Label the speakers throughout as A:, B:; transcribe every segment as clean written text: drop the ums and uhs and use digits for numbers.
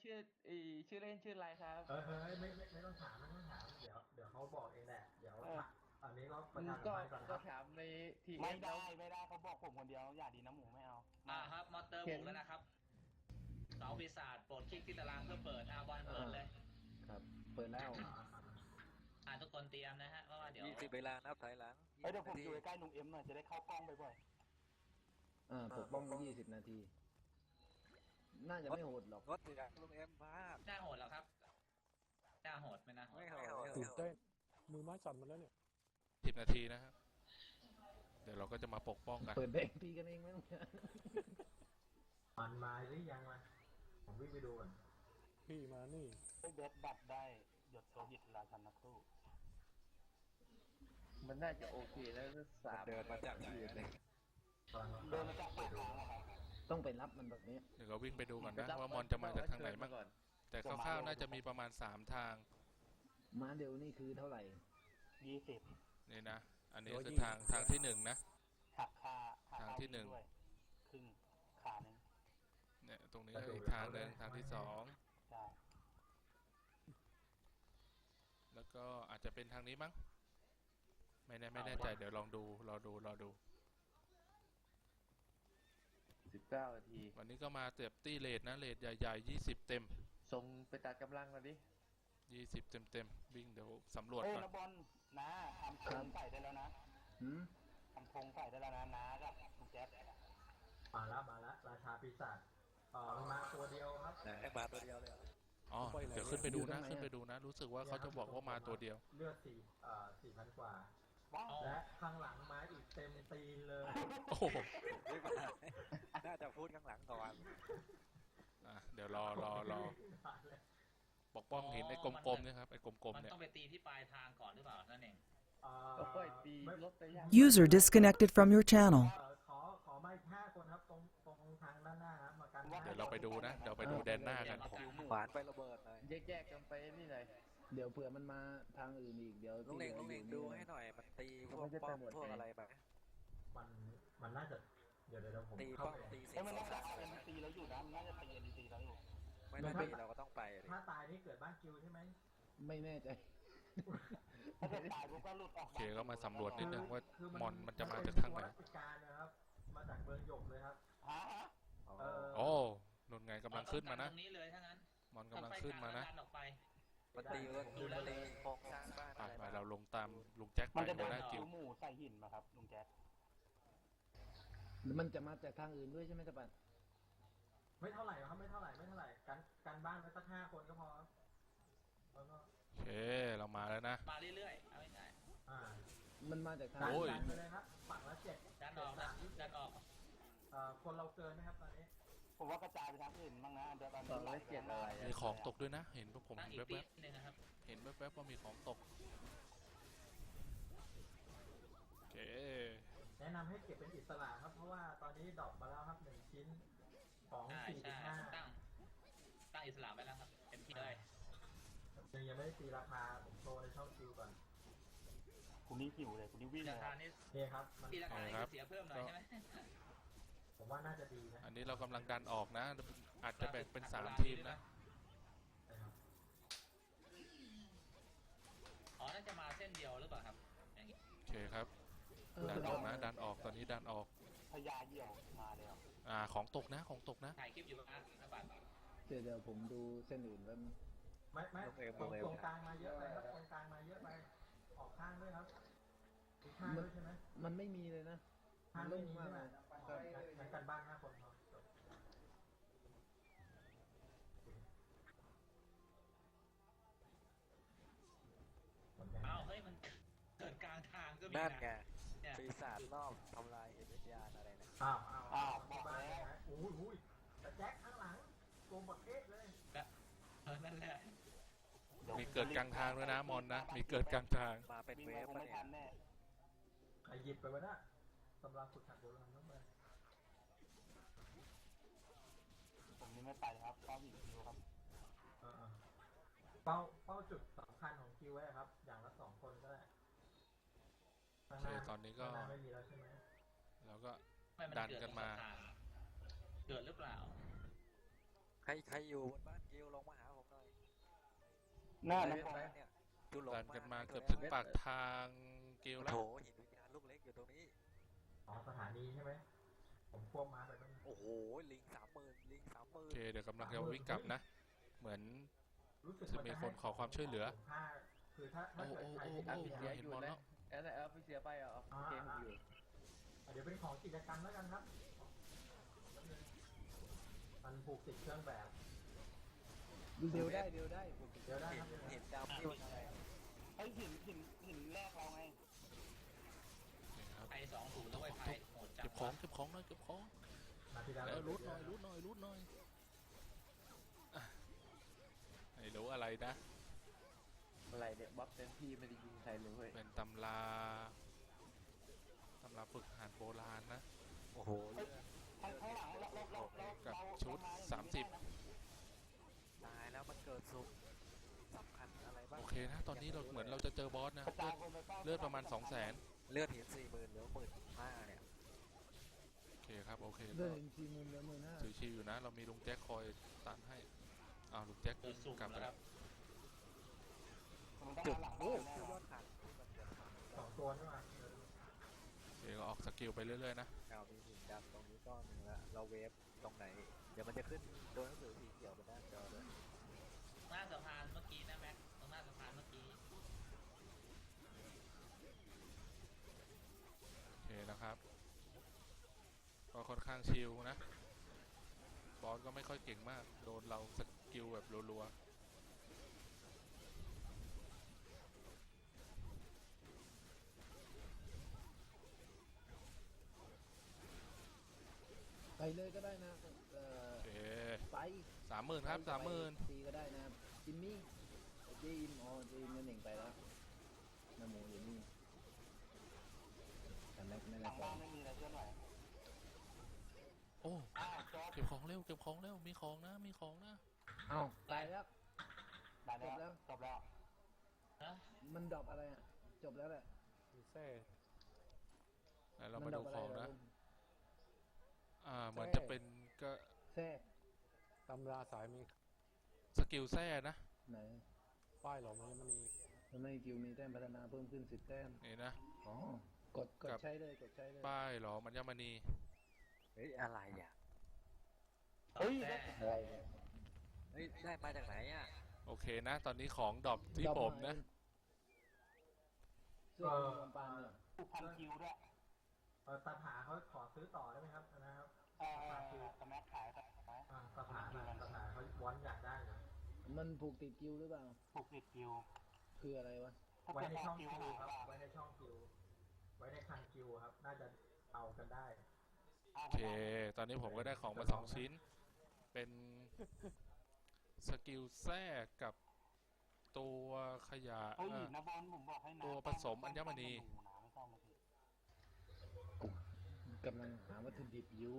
A: ชื่อชื่อเล่นชื่ออะไรครับ
B: เฮ้ยไม่ต้องถามไม่ต้องถามเดี๋ยวเขาบอกเองแหละเดี๋ยว
A: เออ
B: อันนี้ก็ประชาสัม
A: ก็
B: พันธ์ก่อนครับ
A: ถามในทีเอ
C: ไม่
A: ฟแล้ว
C: ได้ไม่ได้เขาบอกผมคนเดียวอย่าดีนะหมูไม่เอา
D: ครับมอเตอร์บุ
A: เห็น
D: กแล้วนะครับสองปีศาจโปรดคลิกที่ตารางเพื่อเปิดบอลเปิดเลย
E: ครับเปิดแล้ว
D: ทุกคนเตรียมนะฮะเพราะว่าเดี๋ยว
F: 20 เวลานับถอยหลัง
C: เดี๋ยวผมอยู่ใกล้ลุงเอ็มหน่อยจะได้เข้ากล้องบ่อย
E: ปกป้อง20 นาที น่าจะไม่โหดหรอก
F: รถติดอะลุงเอ็มมาก
D: หน้าโหดแล้วครับหน้าโหดไม่นะ
F: ไม่โหด
G: ตื่นเต้นมือไม้สั่นมาแล้วเนี่ย
H: 10 นาทีนะครับเดี๋ยวเราก็จะมาปกป้องกัน
E: เปิดแบงค์ตีกันเองไหมต้องการ
B: มันมาหรือยังมาผมวิ่งไปดูก่อน
G: พี่มานี่
C: ๆได้เบสบัตรได้หยดโซหิตราชันนักสู้
A: มันน่าจะโอเคแล้วก็สาม
F: เดินมาจากไหนอะเนี่ย
B: ตอน
C: เดินมาจากปากทางนะครับ
E: ต้องไปรับมันแบบนี้
H: เดี๋ยวเราวิ่งไปดูก่อนนะว่ามอนจะมาจากทางไหนบ้างแต่คร่าวๆน่าจะมีประมาณ3ทาง
E: ม้าเดียวนี่คือเท่าไหร่
C: 20
H: นี่นะอันนี้คือทางที่1นะ
C: หักค่า
H: ทางที่หนึ่ง
C: ด้วยครึ่งขาหนึ่ง
H: เนี่ยตรงนี้ก็อีกทางหนึ่งทางที่2
C: ใช่
H: แล้วก็อาจจะเป็นทางนี้มั้งไม่แน่ใจเดี๋ยวลองดูรอดู
A: 19 นาที
H: วันนี้ก็มาเตียบตี้เลทนะเลทใหญ่ๆ20เต็ม
A: ส่งไปตัดกำลังมาดิ
H: 20เต็มวิ่งเดี๋ยวสำรวจ
C: เอ้ย
H: ก่อน
C: นะบอลนะทำธงใส่ได้แล้วนะ
E: หืม
C: ทำธงใส่ได้แล้วนะน้ากับคุณแจ๊บ
B: มาแล้วราชาปีศาจมันมาตัวเดียวครับ
F: ไหนมาตัวเดียวเลยเหรอ
H: อ๋อเดี๋ยวขึ้นไปดูนะรู้สึกว่าเขาจะบอกว่ามาตัวเดียว
B: เลือด4,000 กว่า
C: ว้าว
B: และข้างหลังมาอีกเต็มตีนเลย
H: โอ้โห
F: ไม่มาน่าจะพูดข้างหลังก่อน
H: เดี๋ยวรอปกป้องเห็นไอ้กลมๆเนี่ยครับไอ้กลม
D: มั
H: ๆ
D: น
H: เนี่ย
D: ต้องไปตีที่ปลายทางก่อนหรือเปล่านั่นเอง
A: ก็ค่อยตีรถไปยาก
I: User disconnected from your channel.
B: ขอมาอีก5 คนครับตรงทางด้านหน้าครับมากัน
H: เดี๋ยวเราไปดูนะเดี๋ยวไปดูแดนหน้ากัน
F: หวานไประเบิดหน่อย
A: แยกกันไปนี่เลย
E: เดี๋ยวเผื่อมันมาทางอื่นอีกเดี๋ยว
F: ลุงเน่งดูให้หน่อยมันตีพวกป้อมพวกอะไรแบบ
B: มันน่าจะเดี๋ยวผม
F: ตี
B: เข้า
F: ป้อม
B: ไป
F: ตีเสร็
C: เอ้
F: จ
C: ยมันน่าจะเป็นตีแล้วอยู่นะมันน่าจะตีเอ็นตีแล้วอยู่
F: ไม่ต้องตีเราก็ต้องไปดิ
B: ถ้าตายนี่เกิดบ้านคิวใช่ไหม
E: ไม่แน่ใจ
C: ถ้าเกิดตายปุ๊บก็หลุดออก
H: โอเคก็มาสำรวจนิดนึงว่ามอนมันจะมาจากทางไหน
B: ราชการนะครับมาจากเมืองหยกเลยครับ
C: ฮะ
H: โอ้นุ่นไงกำลังขึ้นมานะ
D: ตรงนี้เลยถ้างั้น
H: มอนกำลังขึ้นมานะ
D: ดันออกไป
F: มันตีโครงสร้างบ้าน
H: ไปเราลงตามลุงแจ็คไป
C: มันจะ
H: หั
C: เดิ
H: วน หน้า
C: คิ
H: กิ
C: ว
H: ว
C: หมูใส่หินมาครับลุงแจ๊ค
E: มันจะมาจากทางอื่นด้วยใช่ไหมตะปัน
B: ไม่เท่าไหร่ครับไม่เท่าไหร่กันบ้านไว้สัก5 คนก็พอครับแล้วก็
H: โอเคเรามาแล้วนะ
D: มาเรื่อยๆเอาง่าย
E: มันมาจากทาง
B: ดัน
H: โอ้ย
B: ไปเลยครับฝั่งละ7
D: ๆดันออกนะดันออก
B: คนเราเกินนะครับตอนนี้
C: ผมว่ากระจายไปทางอื่นบ้างนะเดี๋ยวตอน
A: ตอนละ7อะไร
H: มีของตกด้วยนะ เห็นผม
D: ตั้ง
H: เห็น
D: อีก
H: แว
D: ปี
H: บ
D: นึงนะครับ
H: ๆเห็นแวบๆว่ามีของตกโอเค
B: แนะนำให้เก็บเป็นอิสระครับเพราะว่าตอนนี้ดรอปมาแล้วครับ1 ชิ้นของ
D: ใช่
B: 4.5
D: ตั้งอิสระไว้แล้วครับเต็มที่เลย
B: ยังไม่ได้ตีราคาผมโชว์ในช่องคิวก่อน
C: คุณนี่หิวเลยคุณนี่วิ่งเล
D: ราย คานี้
B: นี่ครับมัน
D: ตีราคานี้เสียเพิ่มหน่อยใช่ไหม
B: ผมว่าน่าจะดีนะ
H: อันนี้เรากำลังดันออกนะ อาจจะแบ่งเป็น3 ทีมนะ
B: นะครับ
D: น่าจะมาเส้นเดียวหรือเปล่าครับอย่างนี้
H: โอเคครับดันออกนะดันออกตอนนี้ดันออก
C: พญาเหี่ยวมาแล้ว
H: ของตกนะ
D: ถ่ายคลิปอยู่นะบัตร
E: เดี๋ยวผมดูเส้นอื่นแล้ว
B: ไม่ตรงกลางมาเยอะไปครับตรงกลางมาเยอะไปออกข้างด้วยครับอีกข้างด้วยใช่ไหม
E: มันไม่มีเลยนะ
B: ข้างไม่มีใช่ไหมงั้นกันบ้าน5 คนพอ
D: เฮ้ยมันเกิดกลางทางก็มี
F: นั่นไง
D: เนี่ย
F: ปีศาจรอบทำลายเอ็นวิญญาณอะไรนะ
B: บอกบ้านนะอุ้ยแต่แจ็คข้างหลังโกงบักเก็ตเลย
D: นั่นแหละ
H: มีเกิดกลางทางด้วยนะมอนนะมีเกิดกลางทาง
F: มาเป็น
C: วิ่ง
F: เว
C: ไป
F: ฟ
C: คง
F: ปะ
C: ไม่
F: เนี่
C: ทั
F: ย
C: นแน่
B: ใครหยิบไปวะน่ะสำหรับฝึกหัดโบราณต้องไป
C: ผมนี่ไม่ไปครับเข้าหินคิวครับ
B: เป้าจุดสำคัญของคิวไว้ครับ อย่างละ2 คนก็ได้
H: โอเคตอนนี้ก็
B: ไม่มีแล้วใช่ไหม
H: เราก็
D: ไม่มัน
H: ดัน
D: เกิด
H: กันมา
D: เกิดหรือเปล่า
F: ใครอยู่บนบ้านกิวลงมาหาผมหน่อย
C: หน้า
B: ไป
C: นะ
B: ไป
F: เนี่ยจุลง
H: ดันกันมา
F: ให้
H: เกือบ
F: ตัว
H: ถึง
F: นี้ย
H: ปากทางเกลแล้ว
F: โถหินวิญญาณลูกเล็กอยู่ตรงนี้
B: อ๋อสถานีใช่ไหมผมควบม้าไปบ้าง
F: โอ้โหลิงลิง
H: โอเคเดี๋ยวกำลังจะวิ่งกลับนะ เหมือน
B: รู้สึก
H: จะมีคนขอความช่วยเหลือ
B: คือถ้า
H: โอ้
B: เกิด
H: โอ้
B: ใคร
H: โอ้
B: ที่
H: โอ้
B: ได้
A: เสีย
H: เห็น
A: อยู่
H: บอล
A: แล้
H: แล้ว ว
A: เอาไปเสียไปเหรอเกมอยู่
B: เดี๋ยวเป็นของกิจกรรมแล้วกันครับมันผูกติดเครื่องแบบ
E: เดียวได้ผม
B: เดี๋ยวได้ครับ
F: เห็นดำที่มันอะไร
C: ไอ้หินแรกเราไง
D: ไทย2-0แล้วไอ้ไทยโหดจัง
H: เก็บของเก็บของหน่อยเก็บของ
B: มาที่แล้ว
H: แล้วรูดหน่อยรูดหน่อยรูดหน่อยอ่ะไม่รู้อะไรนะ
A: อะไรเนี่ยบัฟเต็มที่ไม่ได้ยิงใครเลยเว้ย
H: เป็นตำราฝึกทหารโบราณนะ
F: โอ้โห
C: ข้างหลังเรา
H: กับชุด 30
F: ตายแล้วมันเกิดสุขสำคัญอะไรบ้าง
H: โอเคนะ ตอนนี้เราเหมือนเราจะเจอบอสนะ
C: กระจายคนไป
H: เลือดประมาณ 200,000
F: เลือดหิน40,000เหลือ15,000เนี่ย
H: โอเคครับโอเค
E: เดิ
H: ก็
E: น4 มุมแล้ว15,000
H: ถือชิวอยู่นะ เรามีลุงแจ็คคอยตันให้อ้าวลุงแจ็ค
D: โดนสุ่ม
H: กลับไป
D: แล้วค
H: แล้
D: รั
H: ว
D: บ
C: มันต้อง
F: จุด
C: หลัง
F: โอ้
C: แน่
F: ยอดขันที่มันเกิดมา
B: 2 ตัวนี่มา
H: โอเคก็ออกสกิลไปเรื่อยๆนะ
F: เอามีหินดำตรงนี้ก้อนหนึ่งละเราเวฟตรงไหน เดี๋ยวมันจะขึ้นตัวหนังสือสีเขียวบนหน้าจอด้วย
D: หน้าสะพานเมื่อกี้นะแม็กตรงหน้าสะพานเมื่อกี้
H: โอเคนะครับ ก็ค่อนข้างชิลนะ บอสก็ไม่ค่อยเก่งมาก โดนเราสกิลแบบรัว
E: ไปเลยก็ได้นะ
H: ๆโอเค
E: ไป
H: 30,000ครับ30,000
E: ตีก็ได้นะจิมมี่เจอิมเจอิมนั่นเองไปแล้วน้ำหมูอยู่นี่แต่แม็กไม่
C: ห
E: ได้
C: ลัง
E: ไป
C: บ้านไม่มีอะไรเคลื่อนไหว
H: โอ้
C: จอด
H: เก็บของเร็วเก็บของเร็วมีของนะมีของนะ
E: เอ้าตายแล้ว
C: ได้แล้วจบแล้ว
D: ฮะ
E: มันดรอปอะไรอ่ะจบแล้วแหละ
G: มีแท้
H: แล้วเรา
E: มั
H: มา
E: ดร
H: ดู
E: อปอะ
H: ข
E: ไร
H: อง
E: เหร
H: นะ
E: ลุง
H: เหมือนจะเป็นก็
E: แท้
G: ตำราสายมี
H: สกิลแท้นะ
E: ไหน
G: ป้ายหลอมมันมี
E: ทำไมกิวมีแต้มพัฒนาเพิ่มขึ้น10 แต้ม
H: นี่นะ
E: อ๋อกดใช้เลยกดใช้เลย
H: ป้ายเหรอมันยมณี
F: เฮ้ยอะไรอ่ะ
C: เฮ้ย
D: แต่
E: อะไรเนี่ย
F: เฮ้ยได้มาจากไหนอ่ะ
H: โอเคนะ ตอนนี้ของดรอปที่ผมนะ
E: เสื้อคลุมปานเนี่ย
C: ผูกพันคิวด้วย
B: ตาผาเขาขอซื้อต่อได้ไหมครับนะครับ
C: สมัครขายไหม
B: ตาผาเขาวอนอยากได้เลย
E: มันผูกติดกิวหรือเปล่า
C: ผูกติดคิว
E: คืออะไรวะ
B: ไว้ในช่องคิวครับไว้ในช่องคิวไว้ในคลังคิวครับน่าจะเอากันได้
H: โอเค ตอนนี้ผมก็ได้ของมา2 ชิ้น เป็นสกิลแท้กับตัวขยะ
C: เฮ้ยนะบอลผมบอกให้นะ
H: ตัวผสมอัญมณี
E: กำลังหาวัตถุดิบอยู่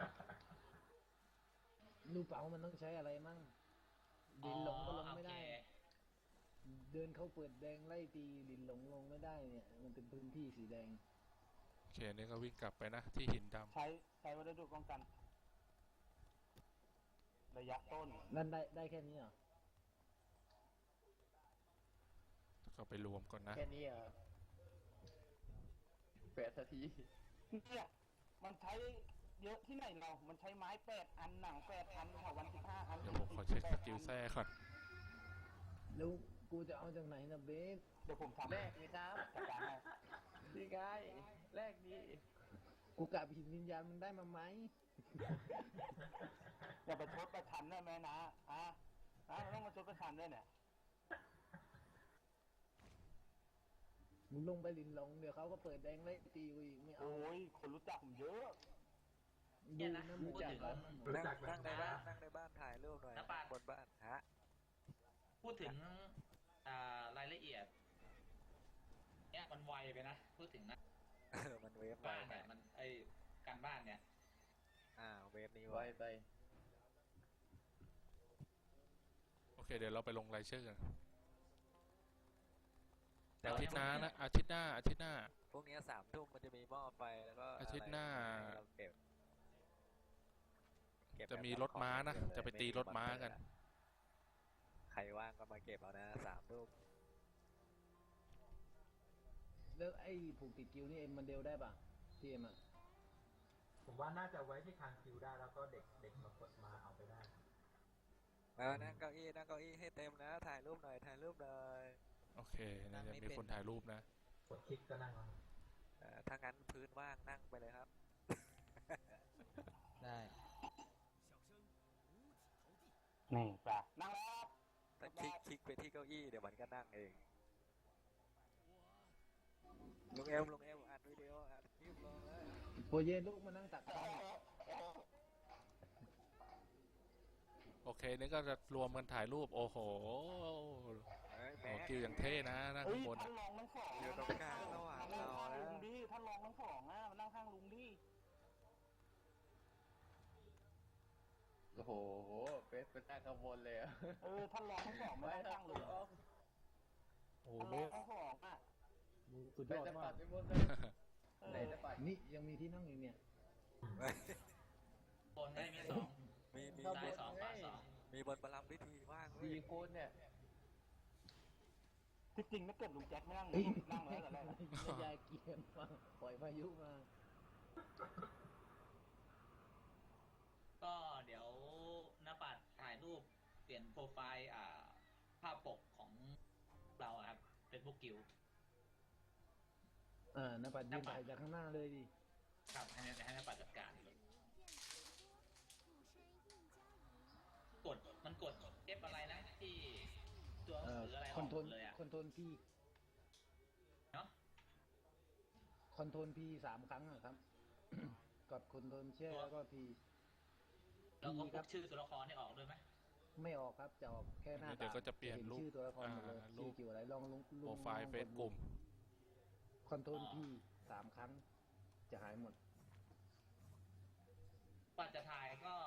E: รู้เปล่ามันต้องใช้อะไรมั่งดินหลงก็ลงไม่ได้ เดินเข้าเปิดแดงไล่ตีดินหลงลงไม่ได้เนี่ยมันเป็นพื้นที่สีแดง
H: โอเคนี่ก็วิ่งกลับไปนะ ที่หินด
C: ใช้วัสดุป้องกันระยะต้น
E: นั่นได้แค่นี้เหรอ
H: ำก็ไปรวมก่อนนะ
A: แค่นี้เหรอ8 นาที
C: เนี่ยมันใช้เยอะที่ไหนเรามันใช้ไม้8 อันหนัง8 อันค่ะวัน15 อัน
H: เดี๋ยวผมขอเช็คสกิลแท้ก่อน
E: แล้วกูจะเอาจากไหนนะเบส
C: เดี๋ยวผมทำ
A: แรกเลยครับ
C: จัดการให้
A: ดีไงแรกนี้
E: กูกลับหินวิญญาณมันได้มาไหม
C: อย่าไปชดประชันได้ไหมนะต้องมาชดประชันด้วยเนี่ย
E: มึงลงไปลินหลงเดี๋ยวเขาก็เปิดแดงไล่ตีกูอีกไม่เอา
C: โอ้ยคนรู้จักผมเยอะ
E: ดูนะหมูจักร
F: นั่งในบ้านถ่ายรูปหน่อยบนบ้านฮะ
D: พูดถึงรายละเอียดเนี่ยมันไวไปนะ พูดถึงนะ
F: มันเวฟ
D: บ้านเนี่ยมันการบ้านเนี่ย
F: เวฟนี้
A: ไวไป
H: โอเค เดี๋ยวเราไปลงรายชื่อกัน
D: แต่
H: อา
D: ว่า
H: ทิตย์หน้า
D: ยังไม่
H: นะอาทิตย์หน้าอาทิตย์หน้า
F: พวกนี้3 ทุ่มมันจะมีหม้อไฟแล้วก็
H: อาทิตย์หน้า
F: เราเก็บเก็บ
H: จะมีรถม้านะ จะไปตีรถม้ากัน
F: ใครว่างก็มาเก็บเอานะ3 รูป
E: แล้วไอ้ผูกติดกิ้วนี่เอ็มมันเดลได้ป่ะที่เอ็มอ่ะ
B: ผมว่าน่าจะไว้ที่คางคิวได้แล้วก็เด็กมากดมาเอาไปได้
F: นั่งเก้าอี้ให้เต็มนะ ถ่ายรูปหน่อย
H: โอเคนะจะมีคนถ่ายรูปนะ
B: กดคลิกก็นั่งเอา
F: ถ้างั้นพื้นว่างนั่งไปเลยครับ
A: ได้
C: นี่ป่ะนั่งแล้ว
F: แต่คลิกไปที่เก้าอี้เดี๋ยวมันก็นั่งเองลุงเอมอัดวิดีโออัดคลิปลงเลย
E: โปรเยนลูกมานั่งตักข้าว
H: โอเคนี่ก็จะรวมกันถ่ายรูป โอ้โห
F: แหม
H: โอ้กิวอย่างเท่นะนั่ง
C: เฮ้ย
H: ข้างบน
C: ท่านรองทั้งสอง
F: อยู่ตรงกลางระหว่าง
C: นั่ง
F: เรา
C: ข้าง
F: นะ
C: ลุงดิท่านรองทั้งสองอ่ะมานั่งข้างลุงดิ
A: โอ้โหเฟสเป็นหน้าขบวนเลยอะ
C: ท่านรองทั้งสองมานั่งข้างลุง
G: โอ้
C: ท่านร
G: เบ
C: อง
G: ส
C: ทั้งสองอ่ะ
G: มึงสุด
A: เฟ
G: ย
A: ส
G: อด
A: จะ
G: มา
A: ปั
G: ก
A: ดไปหมดเลยไหนจะปัด
E: นี่ยังมีที่นั่งอยู่เนี่ย
D: บนได้มี2
F: มี
D: ซ้าย2ขวา2
F: มีบนประลัมพิธีว่างเว้ย
A: 4 คนเนี่ย
C: ที่จริงถ้าเกิดลุงแจ็คไม่นั่ง
E: เฮ้ย
C: นั่งมาแล้วแต่แรกอะ
E: ไม่ยายเกียนมาปล่อยพายุมา
D: ก็เดี๋ยวหน้าปัดถ่ายรูปเปลี่ยนโปรไฟล์ภาพปกของเราอะครับ Facebook กิว
E: น้าปัดยืนถ่ายจากข้างหน้าเลยดิ
D: ครับให้หน้าปัดจัดการเลยมันกด F อะไรนะที่ตัวหนังสืออะไรอ
E: ค
D: อ
E: อน
D: ก
E: โทรล
D: เลยอะ
E: คอนโทรลพี
D: เนาะ
E: คอนโทรลพี3 ครั้งอะครับ กดคอนโทรลแช่แล้วก็พี
D: แล้วก็
E: ค
D: พ
E: รั
D: กชื่อตัวละครให้ออกด้วยไหม
E: ไม่ออกครับจะออกแค่หน้า
H: เดี๋
E: ตา
H: ยวก็จะเปลี่ยน
E: ห็
H: รูป
E: ชื่อตัวละครหมดเลย
H: รู
E: ชื่อ
H: ป
E: เกี่ยวอะไรลองลุง
H: โปรไฟล์เฟซกลุ่ม
E: คอนโทรลพี3 ครั้ง จะหายหมด
D: ปัดจะถ่ายก็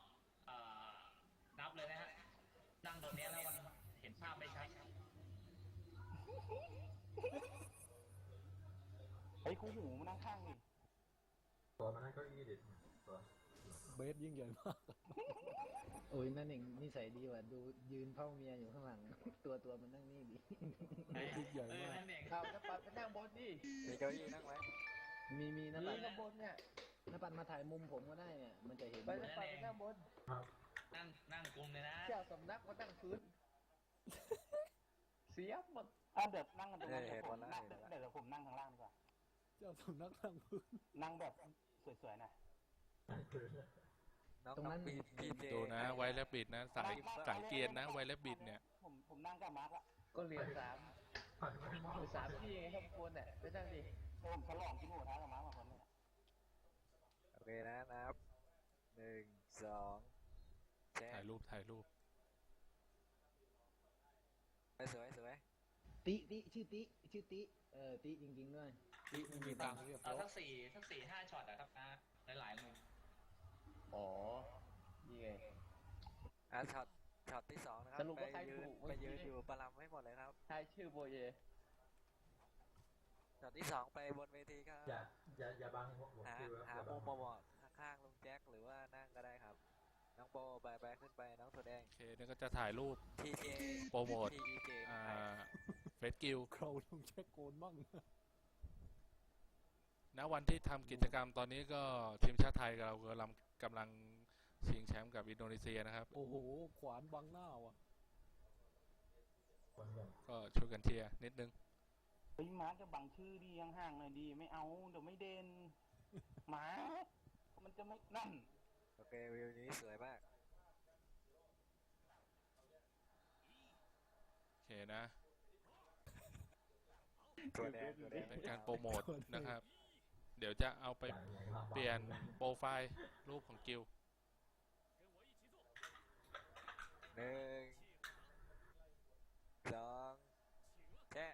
D: นับเลยนะฮะ นั่งตรงนี้แล้วมันเห็นภาพไม่ชัด
C: เฮ้ยคู่หูมานั่งข้างดิ
B: ตัวมานั่งเก้าอี้ดิตัว
G: เบสยิ่งใหญ่มาก
E: โอ้ยนั่นเองนิสัยดีว่ะดูยืนเฝ้าเมียอยู่ข้างหลัง ตัวมันนั่งนี่ดิ
G: ยิ่งใหญ่มาก
D: นั่นเอง
A: ข่าวจะปัดไปนั่งบนดิ
F: มีเก้าอี้นั่งไหม
E: มีน้า
A: นี่
E: ปัด
A: ข้างบนเนี่ย
E: น้าปัดมาถ่ายมุมผมก็ได้เนี่ยมันจะเห็น
A: ไปจะปัดไปนั่งบน
D: นั่งกลุ่มเลยนะ
A: เจ้าสำนักมานั่งพื้น เสียหมด
C: เดี๋ยวนั่งกันตรงนั้นเดี๋ยวผมนั่งเดี๋ยวผมนั่งข้างล่างดีกว่า
G: เจ้าสำนักนั่งพื้น
C: นั่งแบบสวยๆหน่อย
F: น้องพีเจ
H: ดูนะ ไวและบิดนะ สายเกียร์นะ ไวและบิดเนี่ย
C: ผมนั่งกับมาร์กอะ
A: ก็เหรียญ3 ที่ไงข้างบนเนี่ยไปนั่งดิ
C: ผมฉลองกินหมูกระทะกับมาร์กมาคนนึง
F: โอเคนะนับ 1 2 แช
H: ถ่ายรูป
F: สวย
E: ติชื่อติติจริงๆด้วย
G: มีตังค์เรียบ
D: เอา
G: ร้อย
D: สัก4 5ช็อตอะครับนะหลายๆมุม
A: อ๋อ นี่ไง
F: ช็อตที่2นะครับ
A: สรุปว่าใคร
F: ไป
A: ถูก
F: ยืนอยู่ประลัมให้หมดเลยครับ
A: ทายชื่อโบเย
F: ช็อตที่2ไปบนเวทีครับ
B: อย่าบังหัวคิว
F: หามุมเหมาะๆข้างๆลุงแจ็คหรือว่านั่งก็ได้ครับ น้องโบไปขึ้นไปน้องถั่วแดง
H: โอเคนี่ก็จะถ่ายรูป
F: TJ
H: โปรโมท
F: TJ
H: เฟซกิล
G: คราวลุงแจ็คโกนมั่ง
H: ณวันที่ทำกิจกรรมตอนนี้ก็ทีมชาติไทยเรากำลังชิงแชมป์กับอินโดนีเซียนะครับ
G: โอ้โห ขวานบังหน้าว่ะ
H: ก็ช่วยกันเชียร์นิดนึง
C: เฮ้ยมาร์กจะบังชื่อดีห่างๆหน่อยดีไม่เอาเดี๋ยวไม่เด่นมาร์กมันจะไม่นั่น
F: โอเควิวนี้สวยมาก
H: โอเคนะ
F: ถั่วแดง
H: เป็นการโปรโมทนะครับ เดี๋ยวจะเอาไปเปลี่ยนโปรไฟล์รูปของกิล
F: 1 2 แชะ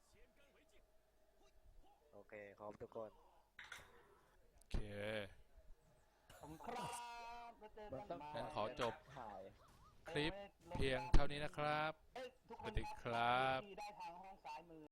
F: โอเคครบทุกคน
H: โอเค
C: ผมครับแล้วเจอ
A: มัน
C: กัน
A: ต้อง
C: มา
H: งั้นขอจบ
A: ถ่าย
H: คลิปเพียงเท่านี้นะครับ
C: เอ้ยทุก
H: ส
C: คน
H: วัสดีครับ
C: ที่ได้ทางห้องซ้ายมือ